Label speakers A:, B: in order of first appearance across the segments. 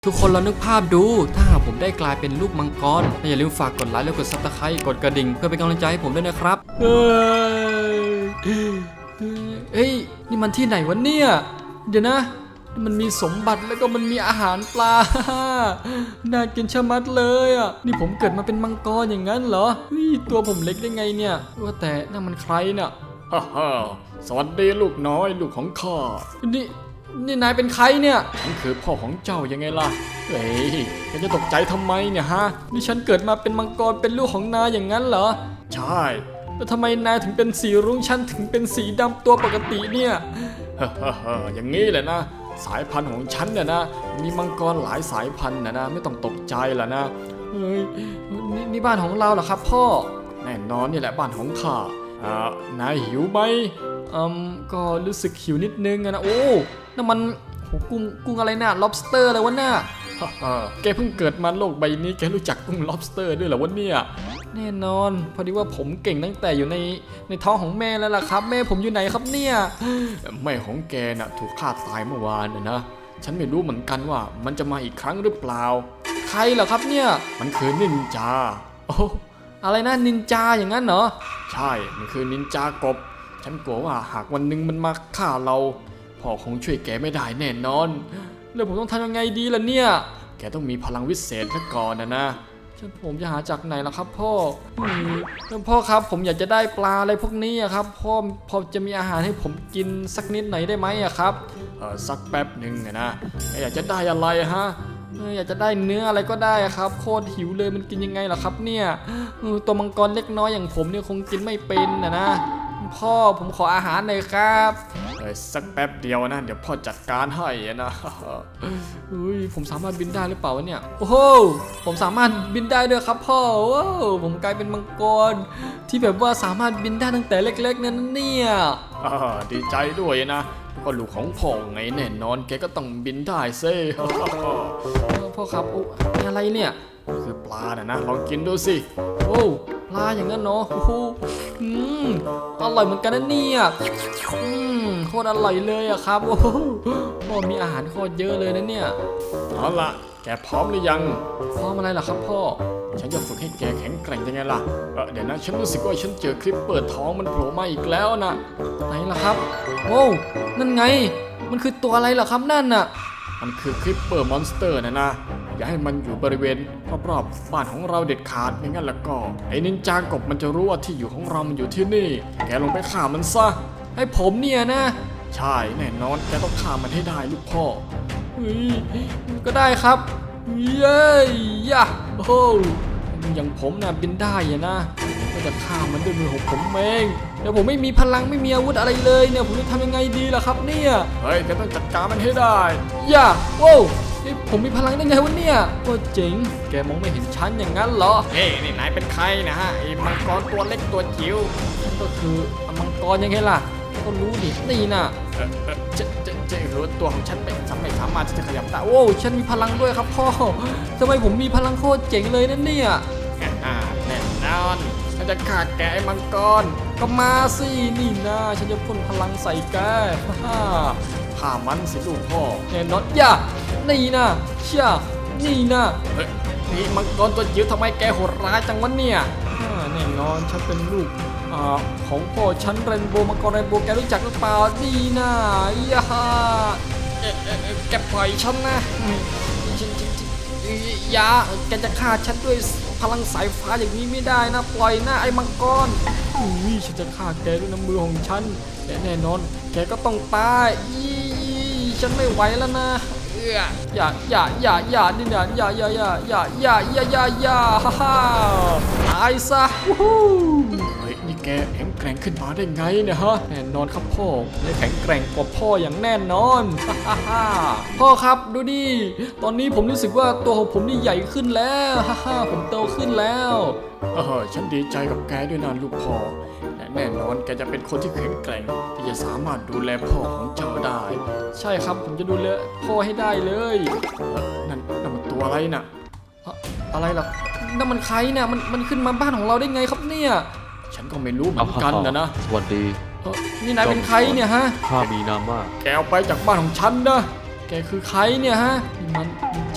A: ทุกคนเรานึกภาพดูถ้าหากผมได้กลายเป็นลูกมังกรอย่าลืมฝากกดไลค์และกดซับสไครต์กดกระดิ่งเพื่อเป็นกำลังใจให้ผมด้วยนะครับเฮ้ยนี่มันที่ไหนวะเนี่ยเดี๋ยวนะมันมีสมบัติแล้วก็มันมีอาหารปลา น่ากินชะมัดเลยอ่ะนี่ผมเกิดมาเป็นมังกรอย่างนั้นเหรอเฮ้ยตัวผมเล็กได้ไงเนี่ยว่าแต่นั่นมันใครน่ะฮ่าฮ่าสวัสดีลูกน้อยลูกของข้านี่นายเป็นใครเนี่ยฉันคือพ่อของเจ้ายังไงล่ะเฮ้ยแกจะตกใจทำไมเนี่ยฮะนี่ฉันเกิดมาเป็นมังกรเป็นลูกของนายอย่างนั้นเหรอใช่แล้วทำไมนายถึงเป็นสีรุ้งฉันถึงเป็นสีดำตัวปกติเนี่ยฮ่าอย่างนี้แหละนะสายพันธุ์ของฉันเนี่ยนะมีมังกรหลายสายพันธุ์นะไม่ต้องตกใจล่ะนะเฮ้ยนี่บ้านของเราเหรอครับพ่อแน่นอนนี่แหละบ้านของข้านายหิวไหมก็รู้สึกหิวนิดนึงนะโอ้นั่นมันกุ้งอะไรน่ะ lobster อะไรวะน่ะแกเพิ่งเกิดมาโลกใบนี้แกรู้จักกุ้ง lobster ด้วยเหรอวะเนี่ยแน่นอนพอดีว่าผมเก่งตั้งแต่อยู่ในท้องของแม่แล้วล่ะครับแม่ผมอยู่ไหนครับเนี่ยแม่ของแกน่ะถูกฆ่าตายเมื่อวานนะฉันไม่รู้เหมือนกันว่ามันจะมาอีกครั้งหรือเปล่าใครเหรอครับเนี่ยมันคือนินจาโอ้อะไรนะนินจาอย่างนั้นเหรอใช่มันคือนินจากบฉันกลัวว่าหากวันหนึ่งมันมาฆ่าเราพ่อคงช่วยแกไม่ได้แน่นอนแล้วผมต้องทำยังไงดีล่ะเนี่ยแกต้องมีพลังวิเศษซะก่อนนะผมจะหาจากไหนล่ะครับพ่อพ่อครับผมอยากจะได้ปลาอะไรพวกนี้ครับพ่อพอจะมีอาหารให้ผมกินสักนิดไหนได้ไหมครับสักแป๊บหนึ่งนะอยากจะได้อะไรฮะอยากจะได้เนื้ออะไรก็ได้ครับโคตรหิวเลยมันกินยังไงล่ะครับเนี่ยตัวมังกรเล็กน้อยอย่างผมเนี่ยคงกินไม่เป็นนะพ่อผมขออาหารหน่อยครับสักแป๊บเดียวนะเดี๋ยวพ่อจัดการให้นะผมสามารถบินได้หรือเปล่าวะเนี่ยโอ้โหผมสามารถบินได้ด้วยครับพ่อว้าวผมกลายเป็นมังกรที่แบบว่าสามารถบินได้ตั้งแต่เล็กๆนั่นเนี่ยดีใจด้วยนะก็ลูกของพ่อไงแน่นอนแกก็ต้องบินได้ซิ พ่อครับอะไรเนี่ยคือปลานะลองกินดูสิโอ้ปลาอย่างนั้นเนาะโอ้โหอร่อยเหมือนกันนะเนี่ยโคตรอร่อยเลยอะครับโอ้โหมีอาหารโคตรเยอะเลยนะเนี่ยเอาล่ะแกพร้อมหรือยังพร้อมอะไรล่ะครับพ่อฉันจะฝึกให้แกแข็งแกร่งยังไงล่ะเดี๋ยวนะฉันรู้สึกว่าฉันเจอคลิปเปิดท้องมันโผล่มาอีกแล้วนะไหนล่ะครับโอ้นั่นไงมันคือตัวอะไรล่ะครับนั่นน่ะมันคือคลิปเปอร์มอนสเตอร์นะอย่าให้มันอยู่บริเวณรอบๆบ้านของเราเด็ดขาดไม่งั้นแล้วก็ไอ้นินจากบมันจะรู้ว่าที่อยู่ของเรามันอยู่ที่นี่แกลงไปฆ่ามันซะให้ผมเนี่ยนะใช่แน่นอนแกต้องฆ่ามันให้ได้ลูกพ่อก็ได้ครับเย้ยะโอ้โหอย่างผมน่ะบินได้นะก็จะฆ่ามันด้วยมือของผมเองเดี๋ยวผมไม่มีพลังไม่มีอาวุธอะไรเลยเนี่ยผมจะทำยังไงดีล่ะครับเนี่ยเฮ้ยแกต้องจัดการมันให้ได้อย่าโว้ผมมีพลังได้ไงวะเนี่ยโอ้เจ๋งแกมองไม่เห็นฉันอย่างนั้นเหรอนี่นายเป็นใครนะฮะไอ้มังกรตัวเล็กตัวจิ๋วฉันก็คือมังกรยังไงล่ะก็รู้ดินี่น่ะจะรู้ตัวของฉันไม่สามารถที่จะขยับได้โอ้ฉันมีพลังด้วยครับพ่อทำไมผมมีพลังโคตรเจ๋งเลยนั่นเนี่ยแน่นอนฉันจะฆ่าแกไอ้มังกรก็มาสินี่นะฉันจะพ่นพลังใส่แกฆ่ามันสิลูกพ่อแน่นอนอย่านี่นะเชี่ยนี่นะนี่มังกรตัวจิ๋วทำไมแกโหดร้ายจังวะเนี่ยแน่นอนฉันเป็นลูกของพ่อฉันเรนโบว์มังกรเรนโบว์แกรู้จักหรือเปล่านี่นะอย่าแกปล่อยฉันนะอย่าแกจะฆ่าฉันด้วยพลังสายฟ้าอย่างนี้ไม่ได้นะปล่อยนะไอ้มังกรฉันจะฆ่าแกด้วยน้ำมือของฉันและแน่นอนแกก็ต้องตายฉันไม่ไหวแล้วนะอย่านี่นะอย่าฮ่าตายซะเฮ้ยนี่แกแข็งแกร่งขึ้นมาได้ไงเนี่ยฮะแน่นอนครับพ่อได้แข็งแกร่งกว่าพ่ออย่างแน่นอนพ่อครับดูดิตอนนี้ผมรู้สึกว่าตัวของผมนี่ใหญ่ขึ้นแล้วผมโตขึ้นแล้วฉันดีใจกับแกด้วยนะลูกพ่อแน่นอนแกจะเป็นคนที่แข็งแกร่งที่จะสามารถดูแลพ่อของเจ้าได้ใช่ครับผมจะดูแลพ่อให้ได้เลยนั่นมันตัวอะไรน่ะอะไรล่ะนั่นมันใครเนี่ยมันขึ้นมาบ้านของเราได้ไงครับเนี่ยฉันก็ไม่รู้เหมือนกันนะ
B: สวัสดี
A: นี่นายเป็นใครเนี่ยฮะ
B: ข้ามีนามว่า
A: แกเอาไปจากบ้านของฉันนะแกคือใครเนี่ยฮะมันนินจา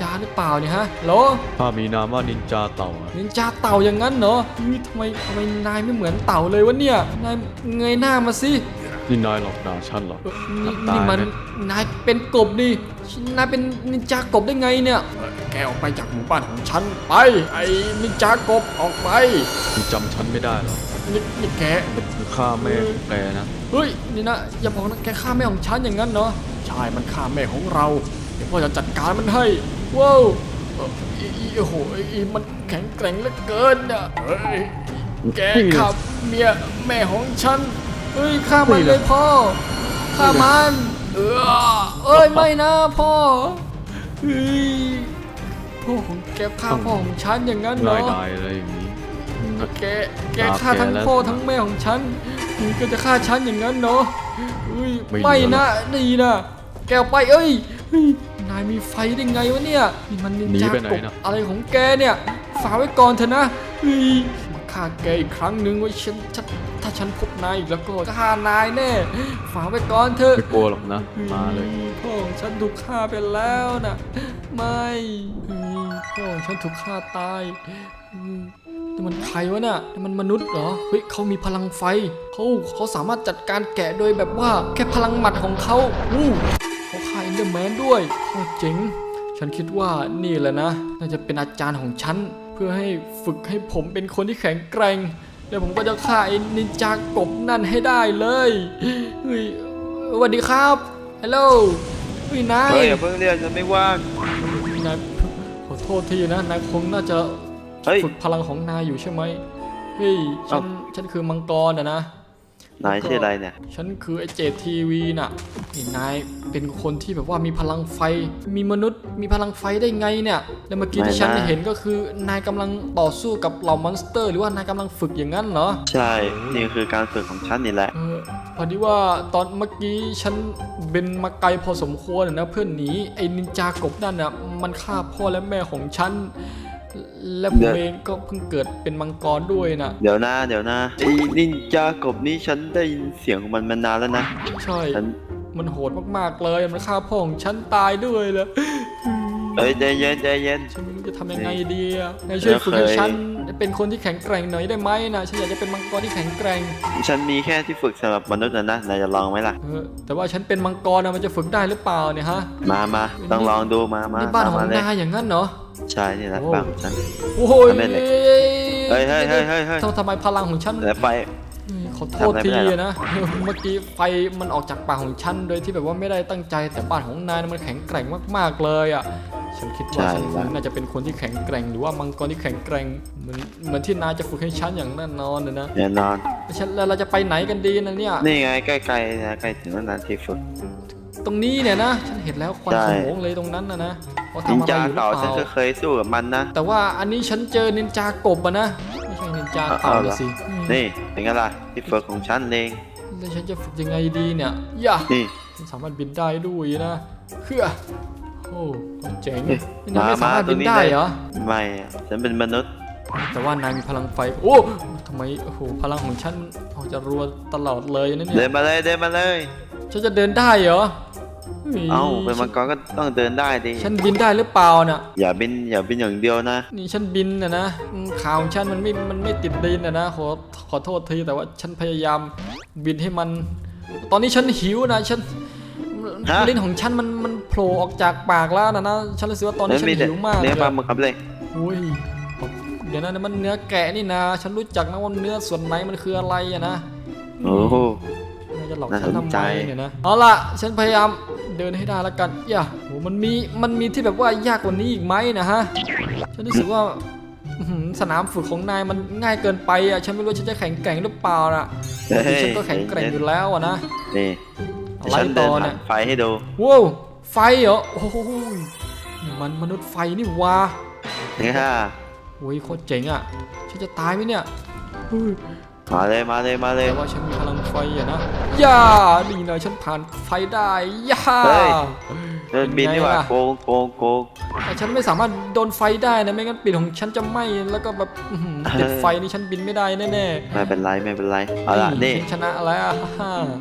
A: จาหรือเปล่าเนี่ยฮะโหล
B: ข้ามีนามว่านินจาเต่าอะ
A: นินจาเต่าอย่างนั้นเหรอทำไมนายไม่เหมือนเต่าเลยวะเนี่ยนายเงยหน้ามาสิ
B: นี่นายหลอกด่าฉันเหรอ
A: นี่มันนายเป็นกบนี่นายเป็นนินจากบได้ไงเนี่ยแกออกไปจากหมู่บ้านของฉันไปไอ้นินจากบออกไป
B: คุณจำฉันไม่ได้เหรอ
A: นี่แก
B: คือข้าแม่ของแกนะ
A: เฮ้ยนี่นะอย่าบอกนะแกฆ่าแม่ของฉันอย่างนั้นเนาะใช่มันฆ่าแม่ของเราเดี๋ยวพ่อจะจัดการมันให้ว้าวโอ้โหมันแข็งแกร่งเหลือเกินอ่ะเฮ้ยแกฆ่าเมียแม่ของฉันเฮ้ยฆ่ามันเลยพ่อฆ่ามันเอ้ยไม่นะพ่อเฮ้ยพ่อของแกฆ่าพ่อของฉันอย่างนั้นเหร
B: นา
A: อ
B: ยดายอะไรอย่างนี้
A: แกฆ่าทั้งพ่อทั้งแม่ของฉันนี่ก็จะฆ่าฉันอย่างนั้นเนาะไม่นะนี่นะแกออกไปเอ้ยนายมีไฟได้ไงวะเนี่ยนี่มันนินจากบอะไรของแกเนี่ยฝากไว้ก่อนเถอะนะมาฆ่าแกอีกครั้งหนึ่งไว้ถ้าฉันพบนายอีกแล้วก็ฆ่านายแน่ฝากไว้ก่อนเถอะ
B: ไม่กลัวหรอกนะมาเลย
A: พ่อของฉันถูกฆ่าไปแล้วนะไม่พ่อของฉันถูกฆ่าตายนี่มันใครวะเนี่ยนี่มันมนุษย์เหรอเฮ้ยเขามีพลังไฟเขาสามารถจัดการแกะโดยแบบว่าแค่พลังหมัดของเขาเขาฆ่าเอนเดอร์แมนด้วยเจ๋งฉันคิดว่านี่แหละนะน่าจะเป็นอาจารย์ของฉันเพื่อให้ฝึกให้ผมเป็นคนที่แข็งแกร่งแล้วผมก็จะฆ่าไอ้นินจากบนั่นให้ได้เลยเฮ้ยสวัสดีครับฮัลโหลนาย
C: อย่าเพิ่งเรียกฉันไม่ว่าง
A: นายขอโทษทีนะนายคงน่าจะ
C: เฮ้ย
A: ฝึกพลังของนายอยู่ใช่ไหมเฮ้ยฉันคือมังกรนะ
C: นายชื่ออะไรเนี่ย
A: ฉันคือไอเจดทีวีน่ะนี่นายเป็นคนที่แบบว่ามีพลังไฟมีมนุษย์มีพลังไฟได้ไงเนี่ยแล้วเมื่อกี้ที่ฉันเห็นก็คือนายกำลังต่อสู้กับเหล่ามอนสเตอร์หรือว่านายกำลังฝึกอย่างนั้นเหรอ
C: ใช่ นี่คือการฝึกของฉันนี่แหละ
A: พอดีว่าตอนเมื่อกี้ฉันเป็นมาไกลพอสมควรนะเพื่อนหนีไอ้นินจากบนั่นน่ะมันฆ่าพ่อและแม่ของฉันและผมเองก็เพิ่งเกิดเป็นมังกรด้วยนะ
C: เดี๋ยวนะไอ้นินจากบนี่ฉันได้ยินเสียงของมันมานานแล้วนะ
A: ใช่
C: ฉัน
A: มันโหดมากๆเลยมันฆ่าพ่อของฉันตายด้วยเลย
C: ใจเย็น
A: ฉันไม่รู้จะทำยังไงดีอ่ะนายช่วยฝึกให้ฉันเป็นคนที่แข็งแกร่งหน่อยได้ไหมนะฉันอยากจะเป็นมังกรที่แข็งแกร่ง
C: ฉันมีแค่ที่ฝึกสำหรับมนุษย์นะนายจะลองไหมล่ะ
A: แต่ว่าฉันเป็นมังกรนะมันจะฝึกได้หรือเปล่าเนี่ยฮะ
C: มาต้องลองดูมา
A: นี่บ้านของ
C: เลย
A: นายอย่างนั้นเหรอ
C: ใช่นี่แหละบ้านของฉัน
A: โอ้โห
C: ทำได้เลย เฮ้ย
A: ทำไมพลังของฉัน
C: แล้วไป
A: ขอโทษทีนะเมื่อกี้ไฟมันออกจากปากของฉันโดยที่แบบว่าไม่ได้ตั้งใจแต่บ้านของนายมันแข็งแกร่งมากๆเลยอ่ะฉันคิดว่าฉันน่าจะเป็นคนที่แข็งแกร่งหรือว่ามังกรที่แข็งแกร่งเหมือนที่นายจะฝึกให้ฉันอย่างแน่นอนนะ
C: แน่นอน
A: แล้วเราจะไปไหนกันดีนะเนี่ย
C: นี่ไงใกล้ๆนะใกล้ถึงแล้วนะที่ฝึก
A: ตรงนี้เนี่ยนะฉันเห็นแล้วควันขโมงเลยตรงนั้นนะว่า
C: นิน
A: ทำอะไร
C: จา
A: อยู่หรือ
C: เต่า
A: เป
C: ฉันก็
A: ล่า
C: เคยสู้กับมันนะ
A: แต่ว่าอันนี้ฉันเจอนินจากบอะนะไม่ใช่นินจาเต่าเลยสิ
C: นี่เป็นไงล่ะที่ฝึกของฉันเอง
A: แล้วฉันจะฝึกยังไงดีเนี่ยย่า
C: นี่
A: ฉันสามารถบินได้ด้วยนะเฮ้อโอ้เจ๋ง
C: เฮ้ย
A: นายไม่สามารถบินได้เหรอ
C: ไม่อะฉันเป็นมนุษย์
A: แต่ว่านายมีพลังไฟโอ้ทำไมโอ้โหพลังของฉันออกจะรัวตลอดเลยนะเนี่
C: เดิ
A: ย
C: นมาเลย
A: ฉันจะเดินได้เหรอฮ้ย
C: เอ้าเป็นมังกรก็ต้องเดินได้ดิ
A: ฉันบินได้หรือเปล่าน่ะ
C: อย่าบินอย่างเดียวนะ
A: นี่ฉันบินนะขาของฉันมันไม่ติดดินนะขอโทษทีแต่ว่าฉันพยายามบินให้มัน ตอนนี้ฉันหิวนะฉันลิ้นของฉันมันโผล่ออกจากปากแล้วนะฉันรู้สึกว่าตอนนี้ฉันหิวมาก
C: เนื้อปลาห
A: เลย
C: มึกครับเลย
A: อุ้ยเดี๋ยวนะมันเนื้อแกะนี่นะฉันรู้จักนะว่าเนื้อส่วนไหนมันคืออะไรอะนะ
C: โอ้โห
A: นายจะหลอก
C: น่า
A: ฉัน
C: ส
A: ทำ
C: น
A: ไม
C: ใจ
A: เนี่ยนะเอาล่ะฉันพยายามเดินให้ได้แล้วกันอย่าโหมันมีที่แบบว่ายากกว่านี้อีกไหมนะฮะฉันรู้สึกว่าสนามฝึกของนายมันง่ายเกินไปอ่ะฉันไม่รู้ฉันจะแข็งแกร่งหรือเปล่าน่ะฉันก็แข็งแกร่งอยู่แล้วอะนะ
C: นี่
A: อะไร
C: ฉันเดิ
A: ต่
C: น
A: อ
C: ผ่า
A: เนี่ย
C: นไฟให้ดู
A: ว้าวไฟเหรอโอ้โหนี่มันมนุษย์ไฟนี่วะ
C: นี่ค่ะ
A: โอ้ยโคตรเจ๋งอ่ะฉันจะตายไหมเนี่ยเฮ้ย
C: มาเลย
A: แต่ว่าฉันมีพลังไฟอะนะย่าดีนะฉันผ่านไฟได้ย่า
C: เฮ้ย เดินบินดีกว่า
A: เป็นไงล่ะ
C: โกง
A: แต่ฉันไม่สามารถโดนไฟได้นะไม่งั้นปีกของฉันจะไหม้แล้วก็แบบติดไฟนี่ฉันบินไม่ได้แน่ๆ
C: ไม่เป็นไรเอาล่ะนี่
A: ฉันชนะแล้วฮ่า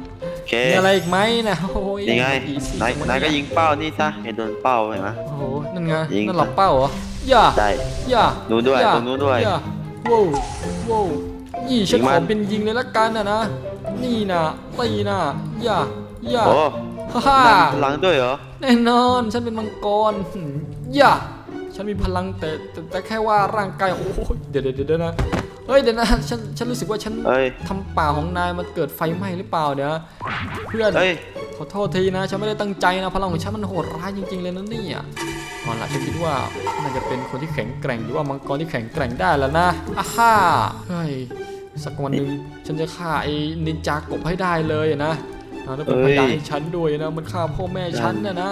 C: เค
A: มีอะไรอีกไหมนะโอ้ย
C: ยังไง
A: อีซี่
C: นายก็ยิงเป้านี่ซะให้โดนเป้าเห็นไหม
A: โอ้โหนั่นไง
C: ยิง
A: นั่นหลับเป้าเหรอย่า
C: ได้
A: ย่า
C: นู้นด้วย
A: ย่า
C: ตรงนู้นด้วย
A: ย่าว้าวว้าวนี่ฉัน
C: ยิง
A: ข
C: มั
A: อน เป็นยิงเลยละกันนะนี่นะตีนะย่าย่า
C: โอ้
A: ฮ่าฮ่า
C: พลังด้วยเหรอ
A: แน่นอนฉันเป็นมังกรย่าฉันมีพลังแต่แค่ว่าร่างกายโอ้ยเดี๋ยวนะเฮ้ยเดี๋ยวนะฉันรู้สึกว่าฉัน
C: เอ้ย
A: ทำป่าของนายมันเกิดไฟไหม้หรือเปล่าเดี๋ยวเพื่อน
C: เอ้ย
A: ขอโทษทีนะฉันไม่ได้ตั้งใจนะพลังของฉันมันโหดร้ายจริงๆเลยนะเนี่ยตอนหลังฉันคิดว่าน่าจะเป็นคนที่แข็งแกร่งหรือว่ามังกรที่แข็งแกร่งได้แล้วนะอ่าฮ่าเฮ้ยสักวันหนึ่งฉันจะฆ่าไอ้นินจากบให้ได้เลยนะแล้วเป็นพยานให้ฉันด้วยนะมันฆ่าพ่อแม่ฉันนะ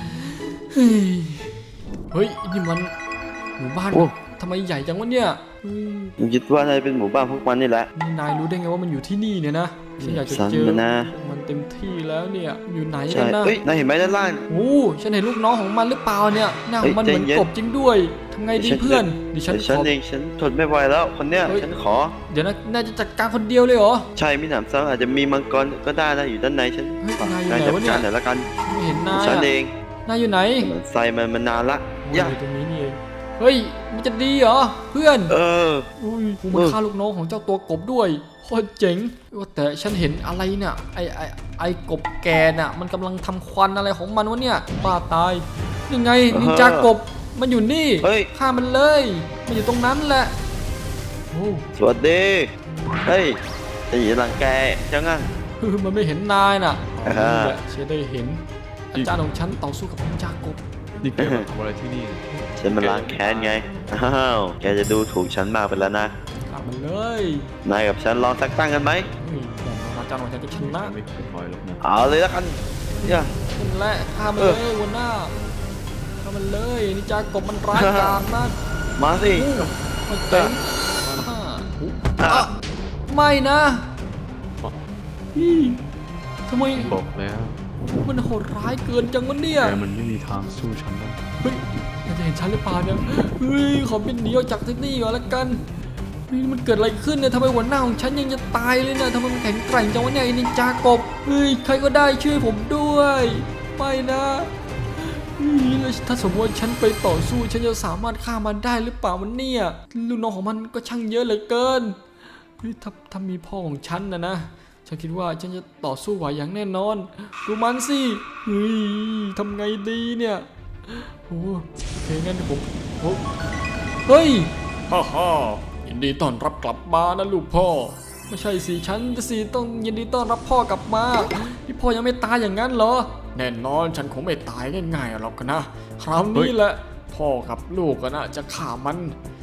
A: เฮ้ยนี่มันหมู่บ้าน
C: โอ้
A: ทำไมใหญ่จังวะเนี่ยเฮ้ย
C: ผมคิดว่านายเป็นหมู่บ้านพวกมันนี่แหละ
A: นี่นายรู้ได้ไงว่ามันอยู่ที่นี่เนี่ยนะฉันอยากจะ
C: สั่น
A: เจอ
C: มานะ
A: มันเต็มที่แล้วเนี่ยอยู่ไหน
C: ใช่
A: กันนะ
C: เอ้ยนายเห็นไหมด้านล่าง
A: โอ้ฉันเห็นลูกน้องของมันหรือเปล่าเนี่ยหน้าของมัน
C: เฮ้
A: เห
C: ย
A: มือน
C: ใจเย็น
A: กบจริงด้วยทำไงดี
C: ฉัน
A: เพื่อนดิฉัน
C: ฉัน
A: ขอ
C: เองฉันทนไม่ไหวแล้วคนเนี้ย
A: เฮ้ย
C: ฉันขอ
A: เดี๋ยวนะนายจะจัดการคนเดียวเลยเหรอ
C: ใช่มิหนำซ้ำอาจจะมีมังกรก็ได้นะอยู่ด้านในฉัน
A: เฮ้ย
C: ฝาก
A: นายอยู่
C: นาย
A: ไหน
C: จัด
A: วะเนี่ย
C: การหน่อยละกัน
A: ไม่เห็นนาย
C: ฉัน
A: อะ
C: เอง
A: นายอยู่ไหน
C: มันใส่มันนานละ
A: โอ้ย
C: ย่า
A: อยู่ตรงนี้นี่เองเฮ้ยมันจะดีเหรอเพื่อน
C: เออ
A: อุ้ยกูมันฆ่าลูกน้องของเจ้าตัวกบด้วยโคตรเจ๋งว่าแต่ฉันเห็นอะไรเนี่ยไอกบแกน่ะมันกำลังทำควันอะไรของมันวะเนี่ยบ้าตายยังไงนินจากบมันอยู่นี่
C: เฮ้ย
A: ฆ่ามันเลยมันอยู่ตรงนั้นแหละโอ้
C: สวัสดีเฮ้ยจะหยีหลังแกจังอ่ะ
A: มันไม่เห็นนายน่ะ
C: อ่าฮะ
A: นี่แหละฉันได้เห็นอาจารย์ของฉันต่อสู้กับนินจากบ
B: นี่แกมาทำอะไรที่นี่เนี่ย
C: ฉันมาล้างแค้นไงอ้าวแกจะดูถูกฉันมากไปแล้วนะ
A: ฆ่ามันเลย
C: นายกับฉันลองสักตั้งกันไหม
A: เฮ้ยแต่อาจารย์ของฉันก็ชนะ
B: ไม่เคยถอยหรอกนะ
C: เอาเลยละกันย่า
A: นั่นแหละฆ่ามันเลยหัวหน้าฆ่ามันเลยนินจากบมันร้ายกาจมาก
C: มาสิ
A: มันเต็มไม่นะทำไม
B: บอกแล้ว
A: มันโหดร้ายเกินจังวะเนี่ย
B: แกมันไม่มีทางสู้ฉันได้
A: เฮ้ยมันจะเห็นฉันหรือเปล่าเนี่ยเฮ้ยขอบินหนีออกจากที่นี่ก่อนละกันเฮ้ยมันเกิดอะไรขึ้นเนี่ยทำไมหัวหน้าของฉันยังจะตายเลยเนี่ยทำไมมันแข็งแกร่งจังวะเนี่ยไอ้นินจากบเฮ้ยใครก็ได้ช่วยผมด้วยไม่นะเฮ้ยแล้วถ้าสมมติว่าฉันไปต่อสู้ฉันจะสามารถฆ่ามันได้หรือเปล่ามันเนี่ยลูกน้องของมันก็ช่างเยอะเหลือเกินเฮ้ยถ้ามีพ่อของฉันนะฉันคิดว่าฉันจะต่อสู้ไหวอย่างแน่นอนดูมันสิเฮ้ยทำไงดีเนี่ยโอ้โอเคงั้นเดี๋ยวผมเฮ้ยฮ่าฮ่ายินดีต้อนรับกลับมานะลูกพ่อไม่ใช่สิฉันสิต้องยินดีต้อนรับพ่อกลับมาที่พ่อยังไม่ตายอย่างนั้นเหรอแน่นอนฉันคงไม่ตายง่ายๆหรอกนะคราวนี้แหละพ่อกับลูกนะจะฆ่ามัน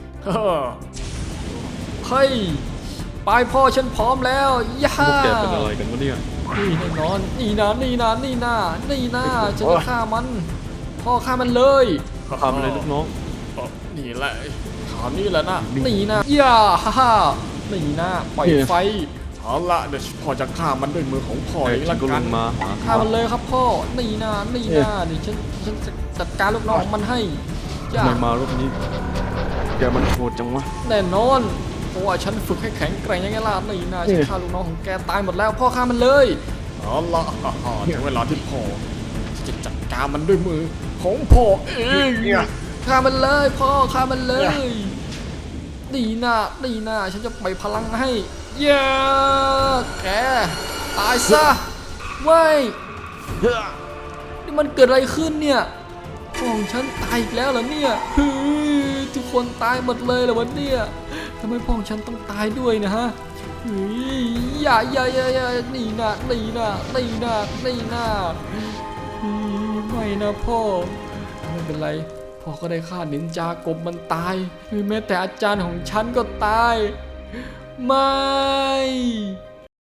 A: เฮ้ยไปพ่อฉันพร้อมแล้วย่า
B: พวกแกเป็นอะไรกันวะเนี่ย
A: นี่แน่นอนนี่นะฉันจะฆ่ามันพ่อฆ่ามันเลย
B: ทำอะไรลูกน้อง
A: นี่แหละคราวนี้แหละนะนี่นะย่าฮ่าฮ่านี่นะปล่อยไฟเอาละเดี๋ยวพ่อจะฆ่ามันด้วยมือของพ่อเอง
B: ฉั
A: ละ
B: นก็ล
A: กัน
B: งมาหา
A: ฆ่ามันเลยครับพ่อนี่นะเดี๋ยวฉันจัดการลูกน้องของมันให้ย่า
B: ทำไมมารอบนี้ แกมันโหดจังวะ
A: แน่นอนเพราะว่าฉันฝึกให้แข็งแกร่งยังไงล่ะนี่นะฉันฆ่าลูกน้องของแกตายหมดแล้วพ่อฆ่ามันเลยเอาละถึงเวลาที่พ่อจะจัดการมันด้วยมือของพ่อเองฆ่ามันเลยพ่อฆ่ามันเลยดีนะฉันจะปล่อยพลังให้เย้แกตายซะเว้ยนี่มันเกิดอะไรขึ้นเนี่ยพ่อของฉันตายอีกแล้วเหรอเนี่ยเฮ้ยทุกคนตายหมดเลยเหรอวะเนี่ยทำไมพ่อของฉันต้องตายด้วยนะฮะเฮ้ยอย่านี่นะไม่นะพ่อไม่เป็นไรพ่อก็ได้ฆ่านินจากบมันตายแม้แต่อาจารย์ของฉันก็ตายไม่